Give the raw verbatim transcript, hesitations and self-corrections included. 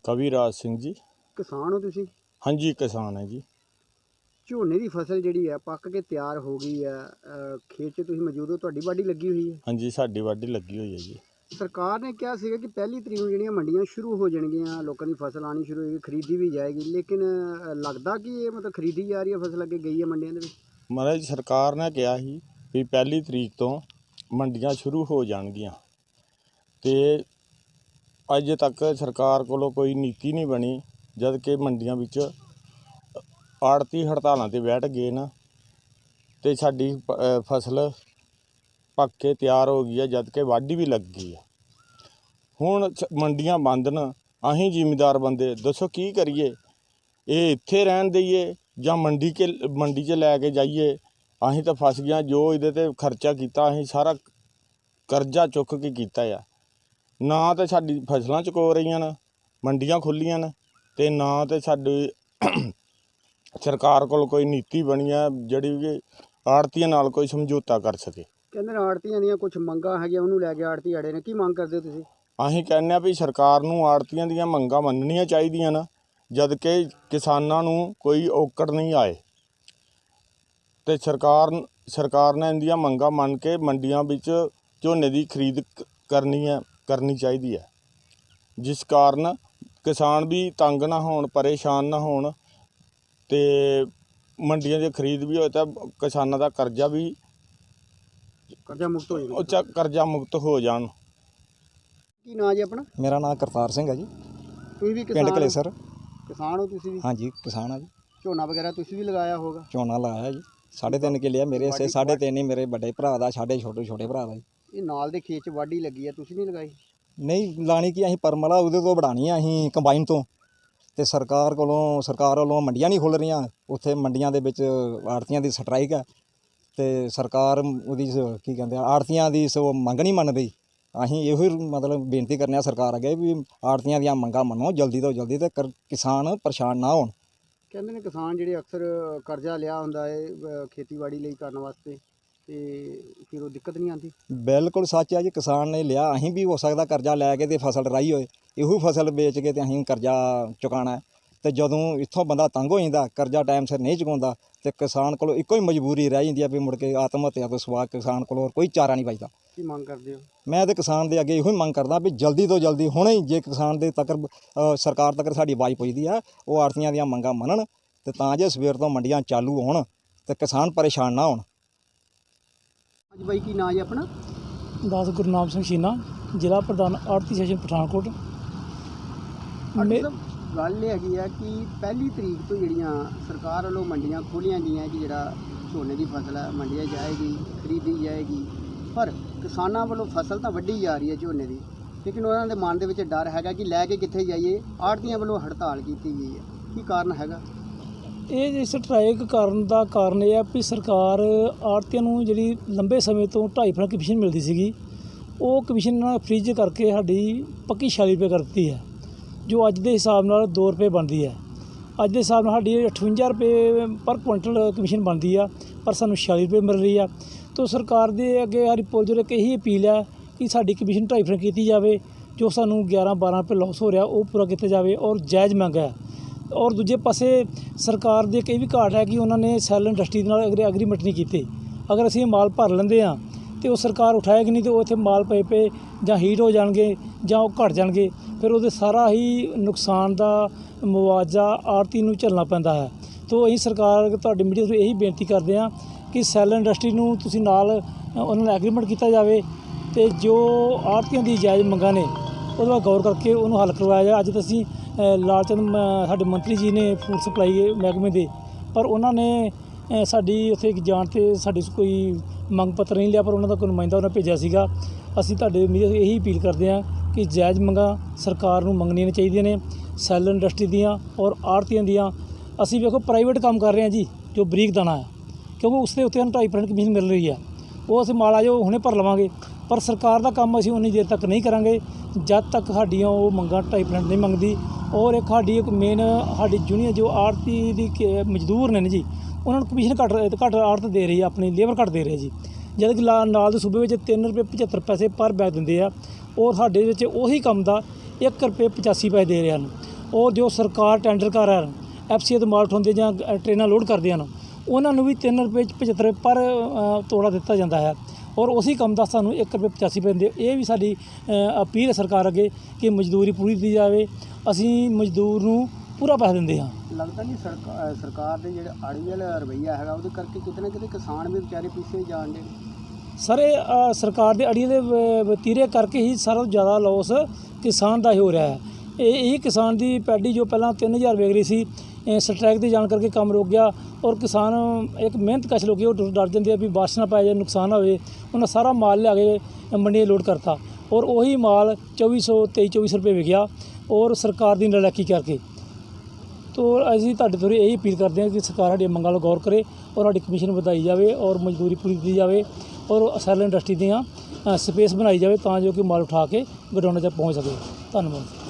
कविराज सिंह जी। किसान हो तुसी? हाँ जी किसान है जी। ਝੋਨੇ ਦੀ ਫਸਲ ਜਿਹੜੀ ਹੈ ਪੱਕ ਕੇ ਤਿਆਰ ਹੋ ਗਈ ਹੈ, ਅ, ਖੇਤ 'ਚ ਤੁਸੀਂ ਮੌਜੂਦ ਹੋ, ਤੁਹਾਡੀ ਵਾਢੀ ਲੱਗੀ ਹੋਈ ਹੈ। हाँ जी साडी वाढी लगी हुई है जी। ਸਰਕਾਰ ਨੇ ਕਿਹਾ ਸੀਗਾ ਕਿ ਪਹਿਲੀ ਤਰੀਕ ਨੂੰ ਜਿਹੜੀਆਂ ਮੰਡੀਆਂ ਸ਼ੁਰੂ ਹੋ ਜਾਣਗੀਆਂ, ਲੋਕਾਂ ਦੀ ਫਸਲ ਆਉਣੀ ਸ਼ੁਰੂ ਹੋਏਗੀ, ਖਰੀਦੀ ਵੀ ਜਾਏਗੀ, ਲੇਕਿਨ ਅ, ਲੱਗਦਾ ਕਿ ਇਹ ਮਤਲਬ ਖਰੀਦੀ ਜਾ ਰਹੀ ਹੈ ਫਸਲ, ਅੱਗੇ ਗਈ ਹੈ ਮੰਡੀਆਂ ਦੇ ਵਿੱਚ? महाराज सरकार ने कहा ही भी पहली तरीक तो मंडियां शुरू हो जाणगियां ते अज तक सरकार कोलों कोई नीति नहीं बनी, जद कि मंडियां विच आड़ती हड़तालां ते बैठ गए न ते साडी फसल पक के तैयार हो गई है, जद कि वाढी भी लग गई है। हुण मंडियां बंद न, असीं जिमीदार बंदे दसो की करिए? ये इत्थे रहन दईए ਜਾਂ ਮੰਡੀ ਕੇ ਮੰਡੀ 'ਚ ਲੈ ਕੇ ਜਾਈਏ? ਅਸੀਂ ਤਾਂ ਫਸ ਗਿਆ, ਜੋ ਇਹਦੇ 'ਤੇ ਖਰਚਾ ਕੀਤਾ ਅਸੀਂ ਸਾਰਾ ਕਰਜ਼ਾ ਚੁੱਕ ਕੇ ਕੀਤਾ ਆ। ਨਾ ਤਾਂ ਸਾਡੀ ਫਸਲਾਂ ਚੁਕੋ ਰਹੀਆਂ ਨੇ, ਮੰਡੀਆਂ ਖੁੱਲ੍ਹੀਆਂ ਨੇ, ਅਤੇ ਨਾ ਤਾਂ ਸਾਡੀ ਸਰਕਾਰ ਕੋਲ ਕੋਈ ਨੀਤੀ ਬਣੀ ਆ ਜਿਹੜੀ ਕਿ ਆੜ੍ਹਤੀਆਂ ਨਾਲ ਕੋਈ ਸਮਝੌਤਾ ਕਰ ਸਕੇ। ਕਹਿੰਦੇ ਨੇ ਆੜ੍ਹਤੀਆਂ ਦੀਆਂ ਕੁਛ ਮੰਗਾਂ ਹੈਗੀਆਂ, ਉਹਨੂੰ ਲੈ ਕੇ ਆੜ੍ਹਤੀ ਅੜੇ ਨੇ। ਕੀ ਮੰਗ ਕਰਦੇ ਹੋ ਤੁਸੀਂ? ਅਸੀਂ ਕਹਿੰਦੇ ਹਾਂ ਵੀ ਸਰਕਾਰ ਨੂੰ ਆੜ੍ਹਤੀਆਂ ਦੀਆਂ ਮੰਗਾਂ ਮੰਨਣੀਆਂ ਚਾਹੀਦੀਆਂ ਨੇ, जद कि किसानां नूं कोई औकड़ नहीं आए, तो सरकार सरकार ने इन्दियां मंगां मन के मंडियां विच झोने की खरीद करनी है करनी चाहिए है, जिस कारण किसान भी तंग ना होण, परेशान ना होण, ते मंडियां दी खरीद भी होए तो किसानां दा करजा भी करजा मुक्त हो जाए करजा मुक्त हो जाण। की नाम जी अपना? मेरा नाम करतार सिंह है जी, तुसीं भी पिंड किसान कलेसर। किसान हो तुसीं भी? हाँ जी किसान है जी। ਝੋਨਾ ਵਗੈਰਾ ਤੁਸੀਂ ਵੀ ਲਗਾਇਆ ਹੋਗਾ? झोना लाया जी, साढ़े तीन किले मेरे से, साढ़े तीन ही मेरे बड़े भरा दा, साढ़े छोटे छोटे भरा दा जी। ਇਹ ਨਾਲ ਦੇ ਖੇਤ 'ਚ ਵਾਢੀ ਲੱਗੀ ਹੈ, ਤੁਸੀਂ ਨਹੀਂ ਲਗਾਈ? नहीं लानी कि असीं परमला उहदे तो बढ़ानी है असीं कंबाइन तो, ते सरकार कोलों सरकार वालों मंडियां नहीं खुल रहीਆਂ, उत्थे मंडियां दे विच आड़तियां दी स्ट्राइक है, ते सरकार उहदी की कहंदे आड़तियां दी सो मंग नहीं मन रही। असीं इहो ही मतलब बेनती करने आ सरकार अगे भी आड़तियां ਦੀਆਂ ਮੰਗਾਂ ਮੰਨੋ ਜਲਦੀ ਤੋਂ ਜਲਦੀ, ਤੇ ਕਿਸਾਨ ਪਰੇਸ਼ਾਨ ਨਾ ਹੋਣ। ਕਹਿੰਦੇ ਨੇ ਕਿਸਾਨ ਜਿਹੜੇ ਅਕਸਰ ਕਰਜ਼ਾ ਲਿਆ ਹੁੰਦਾ ਹੈ ਅ, ਖੇਤੀਬਾੜੀ ਲਈ ਕਰਨ ਵਾਸਤੇ, ਤੇ ਫਿਰ ਉਹ ਦਿੱਕਤ ਨਹੀਂ ਆਉਂਦੀ? ਬਿਲਕੁਲ ਸੱਚ ਹੈ ਜੀ, ਕਿਸਾਨ ਨੇ ਲਿਆ, ਅਸੀਂ ਵੀ ਹੋ ਸਕਦਾ ਕਰਜ਼ਾ ਲੈ ਕੇ ਤੇ ਫਸਲ ਰਾਈ ਹੋਏ, ਇਹੋ ਫਸਲ ਵੇਚ ਕੇ ਤੇ ਅਸੀਂ ਕਰਜ਼ਾ ਚੁਕਾਉਣਾ ਹੈ, ਤੇ ਜਦੋਂ ਇੱਥੋਂ ਬੰਦਾ ਤੰਗ ਹੋ ਜਾਂਦਾ, ਕਰਜ਼ਾ ਟਾਈਮ ਸਿਰ ਨਹੀਂ ਚੁਕਾਉਂਦਾ, ਤੇ ਕਿਸਾਨ ਕੋਲ ਇੱਕੋ ਹੀ ਮਜਬੂਰੀ ਰਹਿ ਜਾਂਦੀ ਹੈ ਵੀ ਮੁੜ ਕੇ ਆਤਮ ਹੱਤਿਆ ਤੋਂ ਸਿਵਾ ਕਿਸਾਨ ਕੋਲ ਹੋਰ ਕੋਈ ਚਾਰਾ ਨਹੀਂ ਬਚਦਾ। ਕੀ ਮੰਗ ਕਰਦੇ ਹੋ? ਮੈਂ ਤੇ ਕਿਸਾਨ ਦੇ ਅੱਗੇ ਇਹੋ ਹੀ ਮੰਗ ਕਰਦਾ ਵੀ ਜਲਦੀ ਤੋਂ ਜਲਦੀ ਹੁਣੇ ਹੀ ਜੇ ਕਿਸਾਨ ਦੇ ਤੱਕ ਸਰਕਾਰ ਤੱਕ ਸਾਡੀ ਆਵਾਜ਼ ਪਹੁੰਚਦੀ ਹੈ, ਉਹ ਆੜਤੀਆਂ ਦੀਆਂ ਮੰਗਾਂ ਮੰਨਣ, ਤੇ ਤਾਂ ਜੇ ਸਵੇਰ ਤੋਂ ਮੰਡੀਆਂ ਚਾਲੂ ਹੋਣ ਤੇ ਕਿਸਾਨ ਪਰੇਸ਼ਾਨ ਨਾ ਹੋਣ। ਅੱਜ ਬਾਈ ਕੀ ਨਾਂ ਜੀ ਆਪਣਾ? ਦਾਸ ਗੁਰਨਾਮ ਸਿੰਘ ਸ਼ੀਨਾ, ਜ਼ਿਲ੍ਹਾ ਪ੍ਰਧਾਨ ਆੜਤੀ ਸੈਸ਼ਨ ਪਠਾਨਕੋਟ। ਮੇ ਗੱਲ ਇਹ ਹੈਗੀ ਆ ਕਿ ਪਹਿਲੀ ਤਰੀਕ ਤੋਂ ਜਿਹੜੀਆਂ ਸਰਕਾਰ ਵੱਲੋਂ ਮੰਡੀਆਂ ਖੋਲ੍ਹੀਆਂ ਗਈਆਂ ਕਿ ਜਿਹੜਾ ਝੋਨੇ ਦੀ ਫਸਲ ਹੈ ਮੰਡੀਆਂ ਜਾਏਗੀ, ਖਰੀਦੀ ਜਾਏਗੀ, ਪਰ ਕਿਸਾਨਾਂ ਵੱਲੋਂ ਫਸਲ ਤਾਂ ਵੱਢੀ ਜਾ ਰਹੀ ਹੈ ਝੋਨੇ ਦੀ, ਲੇਕਿਨ ਉਹਨਾਂ ਦੇ ਮਨ ਦੇ ਵਿੱਚ ਡਰ ਹੈਗਾ ਕਿ ਲੈ ਕੇ ਕਿੱਥੇ ਜਾਈਏ। ਆੜ੍ਹਤੀਆਂ ਵੱਲੋਂ ਹੜਤਾਲ ਕੀਤੀ ਗਈ ਹੈ, ਕੀ ਕਾਰਨ ਹੈਗਾ? ਇਹ ਸਟ੍ਰਾਈਕ ਕਰਨ ਦਾ ਕਾਰਨ ਇਹ ਆ ਵੀ ਸਰਕਾਰ ਆੜ੍ਹਤੀਆਂ ਨੂੰ ਜਿਹੜੀ ਲੰਬੇ ਸਮੇਂ ਤੋਂ ਢਾਈ ਫੁੱਟ ਕਮਿਸ਼ਨ ਮਿਲਦੀ ਸੀਗੀ, ਉਹ ਕਮਿਸ਼ਨ ਨਾਲ ਫ੍ਰੀਜ ਕਰਕੇ ਸਾਡੀ ਪੱਕੀ ਛਿਆਲੀ ਰੁਪਏ ਕਰ ਦਿੱਤੀ ਹੈ, ਜੋ ਅੱਜ ਦੇ ਹਿਸਾਬ ਨਾਲ ਦੋ ਰੁਪਏ ਬਣਦੀ ਹੈ। ਅੱਜ ਦੇ ਹਿਸਾਬ ਨਾਲ ਸਾਡੀ ਅਠਵੰਜਾ ਰੁਪਏ ਪਰ ਕੁਇੰਟਲ ਕਮਿਸ਼ਨ ਬਣਦੀ ਆ, ਪਰ ਸਾਨੂੰ ਛਿਆਲੀ ਰੁਪਏ ਮਿਲ ਰਹੀ ਆ। ਤਾਂ ਸਰਕਾਰ ਦੇ ਅੱਗੇ ਸਾਡੀ ਪੁਰਜੋਰ ਇੱਕ ਇਹੀ ਅਪੀਲ ਹੈ ਕਿ ਸਾਡੀ ਕਮਿਸ਼ਨ ਢਾਈ ਫੁੱਟ ਕੀਤੀ ਜਾਵੇ, ਜੋ ਸਾਨੂੰ ਗਿਆਰਾਂ ਬਾਰਾਂ ਰੁਪਏ ਲਾਸ ਹੋ ਰਿਹਾ ਉਹ ਪੂਰਾ ਕੀਤਾ ਜਾਵੇ, ਔਰ ਜਾਇਜ਼ ਮੰਗ ਹੈ। ਔਰ ਦੂਜੇ ਪਾਸੇ ਸਰਕਾਰ ਦੇ ਕਈ ਵੀ ਘਾਟ ਹੈ ਕਿ ਉਹਨਾਂ ਨੇ ਸੈਲ ਇੰਡਸਟਰੀ ਦੇ ਨਾਲ ਅਗਰ ਐਗਰੀਮੈਂਟ ਨਹੀਂ ਕੀਤੇ। ਅਗਰ ਅਸੀਂ ਮਾਲ ਭਰ ਲੈਂਦੇ ਹਾਂ ਅਤੇ ਉਹ ਸਰਕਾਰ ਉਠਾਏਗੀ ਨਹੀਂ, ਅਤੇ ਉਹ ਇੱਥੇ ਮਾਲ ਪਏ ਪਏ ਜਾਂ ਹੀਟ ਹੋ ਜਾਣਗੇ ਜਾਂ ਉਹ ਘਟ ਜਾਣਗੇ, ਫਿਰ ਉਹਦੇ ਸਾਰਾ ਹੀ ਨੁਕਸਾਨ ਦਾ ਮੁਆਵਜ਼ਾ ਆੜ੍ਹਤੀ ਨੂੰ ਝੱਲਣਾ ਪੈਂਦਾ ਹੈ। ਤਾਂ ਅਸੀਂ ਸਰਕਾਰ ਤੁਹਾਡੀ ਮੀਡੀਆ ਤੋਂ ਇਹੀ ਬੇਨਤੀ ਕਰਦੇ ਹਾਂ ਕਿ ਸੈਲ ਇੰਡਸਟਰੀ ਨੂੰ ਤੁਸੀਂ ਨਾਲ ਉਹਨਾਂ ਨਾਲ ਐਗਰੀਮੈਂਟ ਕੀਤਾ ਜਾਵੇ, ਅਤੇ ਜੋ ਆੜ੍ਹਤੀਆਂ ਦੀ ਜਾਇਜ਼ ਮੰਗਾਂ ਨੇ ਉਹਦੇ ਬਾਅਦ ਗੌਰ ਕਰਕੇ ਉਹਨੂੰ ਹੱਲ ਕਰਵਾਇਆ ਜਾਏ। ਅੱਜ ਤਾਂ ਅਸੀਂ ਲਾਲਚੰਦ ਸਾਡੇ ਮੰਤਰੀ ਜੀ ਨੇ ਫੂਡ ਸਪਲਾਈ ਮਹਿਕਮੇ ਦੇ, ਪਰ ਉਹਨਾਂ ਨੇ ਸਾਡੀ ਉੱਥੇ ਜਾਣ 'ਤੇ ਸਾਡੀ ਕੋਈ ਮੰਗ ਪੱਤਰ ਨਹੀਂ ਲਿਆ, ਪਰ ਉਹਨਾਂ ਦਾ ਕੋਈ ਨੁਮਾਇੰਦਾ ਉਹਨਾਂ ਭੇਜਿਆ ਸੀਗਾ। ਅਸੀਂ ਤੁਹਾਡੇ ਮੀਡੀਆ ਤੋਂ ਇਹੀ ਅਪੀਲ ਕਰਦੇ ਹਾਂ ਕਿ ਜਾਇਜ਼ ਮੰਗਾਂ ਸਰਕਾਰ ਨੂੰ ਮੰਗਣੀਆਂ ਚਾਹੀਦੀਆਂ ਨੇ, ਸੈਲ ਇੰਡਸਟਰੀ ਦੀਆਂ ਔਰ ਆੜ੍ਹਤੀਆਂ ਦੀਆਂ। ਅਸੀਂ ਵੇਖੋ ਪ੍ਰਾਈਵੇਟ ਕੰਮ ਕਰ ਰਹੇ ਹਾਂ ਜੀ, ਜੋ ਬਰੀਕ ਦਾਣਾ ਹੈ, ਕਿਉਂਕਿ ਉਸ ਦੇ ਉੱਤੇ ਸਾਨੂੰ ਢਾਈ ਪਰਸੈਂਟ ਕਮਿਸ਼ਨ ਮਿਲ ਰਹੀ ਹੈ, ਉਹ ਅਸੀਂ ਮਾਲ ਆ ਜੋ ਹੁਣੇ ਭਰ ਲਵਾਂਗੇ, ਪਰ ਸਰਕਾਰ ਦਾ ਕੰਮ ਅਸੀਂ ਉਨੀ ਦੇਰ ਤੱਕ ਨਹੀਂ ਕਰਾਂਗੇ ਜਦ ਤੱਕ ਸਾਡੀਆਂ ਉਹ ਮੰਗਾਂ ਢਾਈ ਪਰਸੈਂਟ ਨਹੀਂ ਮੰਗਦੀ। ਔਰ ਇੱਕ ਸਾਡੀ ਇੱਕ ਮੇਨ ਸਾਡੀ ਯੂਨੀਅਨ ਜੋ ਆੜ੍ਹਤੀ ਦੀ ਮਜ਼ਦੂਰ ਨੇ ਜੀ, ਉਹਨਾਂ ਨੂੰ ਕਮਿਸ਼ਨ ਘੱਟ ਘੱਟ ਆੜ੍ਹਤ ਦੇ ਰਹੀ ਹੈ, ਆਪਣੀ ਲੇਬਰ ਘੱਟ ਦੇ ਰਹੇ ਜੀ, ਜਦ ਕਿ ਨਾਲ ਦੇ ਸੂਬੇ ਵਿੱਚ ਤਿੰਨ ਰੁਪਏ ਪਝੱਤਰ ਪੈਸੇ ਪਰ ਬੈਗ ਦਿੰਦੇ ਆ, ਔਰ ਸਾਡੇ ਵਿੱਚ ਉਹੀ ਕੰਮ ਦਾ ਇੱਕ ਰੁਪਏ ਪਚਾਸੀ ਪੈਸੇ ਦੇ ਰਹੇ ਹਨ। ਔਰ ਜੋ ਸਰਕਾਰ ਟੈਂਡਰ ਕਰ ਹੈ ਐਫ ਸੀ ਤੋਂ ਮਾਲ ਉਠਾਉਂਦੇ ਜਾਂ ਅ, ਟ੍ਰੇਨਾਂ ਲੋਡ ਕਰਦੇ ਹਨ ਉਹਨਾਂ ਨੂੰ ਵੀ ਤਿੰਨ ਰੁਪਏ ਪਝੱਤਰ ਪਰ ਅ, ਤੋੜਾ ਦਿੱਤਾ ਜਾਂਦਾ ਹੈ ਔਰ ਉਸੇ ਕੰਮ ਦਾ ਸਾਨੂੰ ਇੱਕ ਰੁਪਏ ਪਚਾਸੀ ਪੈਂਦੇ। ਇਹ ਵੀ ਸਾਡੀ ਅ, ਅਪੀਲ ਹੈ ਸਰਕਾਰ ਅੱਗੇ ਕਿ ਮਜ਼ਦੂਰੀ ਪੂਰੀ ਦਿੱਤੀ ਜਾਵੇ। ਅਸੀਂ ਮਜ਼ਦੂਰ ਨੂੰ ਪੂਰਾ ਪੈਸਾ ਦਿੰਦੇ ਹਾਂ। ਲੱਗਦਾ ਨਹੀਂ ਸਰਕਾਰ ਸਰਕਾਰ ਦੇ ਜਿਹੜੇ ਆੜੀ ਵਾਲਾ ਰਵੱਈਆ ਹੈਗਾ ਉਹਦੇ ਕਰਕੇ ਕਿਤੇ ਨਾ ਕਿਤੇ ਕਿਸਾਨ ਵੀ ਵਿਚਾਰੇ ਪਿੱਛੇ ਜਾਣ ਦੇ। ਸਰ ਇਹ ਅ, ਸਰਕਾਰ ਦੇ ਅੜੀਏ ਦੇ ਵ- ਵਤੀਰੇ ਕਰਕੇ ਹੀ ਸਾਰਾ ਤੋਂ ਜ਼ਿਆਦਾ ਲੋਸ ਕਿਸਾਨ ਦਾ ਹੀ ਹੋ ਰਿਹਾ ਹੈ। ਇਹ ਇਹ ਕਿਸਾਨ ਦੀ ਪੈਡੀ ਜੋ ਪਹਿਲਾਂ ਤਿੰਨ ਹਜ਼ਾਰ ਵੇਚ ਰਹੀ ਸੀ ਇਹ ਸਟ੍ਰਾਈਕ ਦੇ ਜਾਣ ਕਰਕੇ ਕੰਮ ਰੁਕ ਗਿਆ ਔਰ ਕਿਸਾਨ ਇੱਕ ਮਿਹਨਤ ਕਸ਼ ਲੋਕ ਉਹ ਡਰ ਡਰ ਜਾਂਦੇ ਆ ਵੀ ਬਾਰਿਸ਼ ਨਾ ਪੈ ਜਾਏ ਨੁਕਸਾਨ ਨਾ ਹੋਵੇ। ਉਹਨਾਂ ਸਾਰਾ ਮਾਲ ਲਿਆ ਕੇ ਮੰਡੀਆਂ 'ਚ ਲੋਡ ਕਰਤਾ ਔਰ ਉਹੀ ਮਾਲ ਚੌਵੀ ਸੌ ਤੇਈ ਚੌਵੀ ਸੌ ਰੁਪਏ ਵਿਕਿਆ ਔਰ ਸਰਕਾਰ ਦੀ ਨਲਾਇਕੀ ਕਰਕੇ। ਤੋ ਅਸੀਂ ਤੁਹਾਡੇ ਤੋਂ ਇਹੀ ਅਪੀਲ ਕਰਦੇ ਹਾਂ ਕਿ ਸਰਕਾਰ ਸਾਡੀਆਂ ਮੰਗਾਂ 'ਤੇ ਗੌਰ ਕਰੇ ਔਰ ਸਾਡੀ ਕਮਿਸ਼ਨ ਵਧਾਈ ਜਾਵੇ ਔਰ ਮਜ਼ਦੂਰੀ ਪੂਰੀ ਦਿੱਤੀ ਜਾਵੇ ਔਰ ਸੈਲ ਇੰਡਸਟਰੀ ਦੀਆਂ ਸਪੇਸ ਬਣਾਈ ਜਾਵੇ ਤਾਂ ਜੋ ਕਿ ਮਾਲ ਉਠਾ ਕੇ ਗੋਡਾਊਨਾਂ 'ਚ ਪਹੁੰਚ ਸਕੇ। ਧੰਨਵਾਦ।